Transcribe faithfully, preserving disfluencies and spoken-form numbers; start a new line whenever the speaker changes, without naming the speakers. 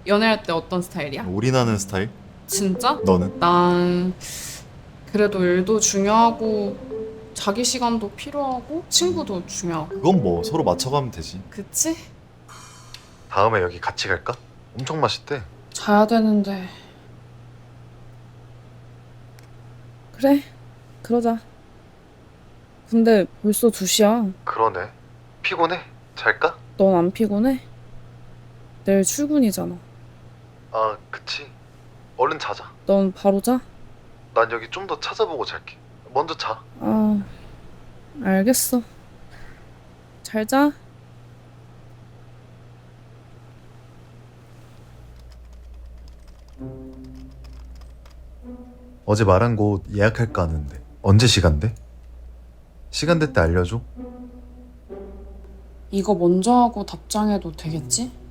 연애할 때 어떤 스타일이야?
올인하는 스타일?
진짜?
너는?
난 그래도 일도 중요하고 자기 시간도 필요하고 친구도 중요하고.
그건 뭐 서로 맞춰가면 되지.
그치?
다음에 여기 같이 갈까? 엄청 맛있대.
자야 되는데.
그래, 그러자. 근데 벌써 두 시야.
그러네. 피곤해? 잘까?
넌 안 피곤해? 내일 출근이잖아.
아, 그치. 얼른 자자.
넌 바로 자?
난 여기 좀 더 찾아보고 잘게. 먼저 자.
아, 알겠어. 잘 자.
어제 말한 곳 예약할까 하는데 언제 시간 돼? 시간 될 때 알려줘.
이거 먼저 하고 답장해도 되겠지?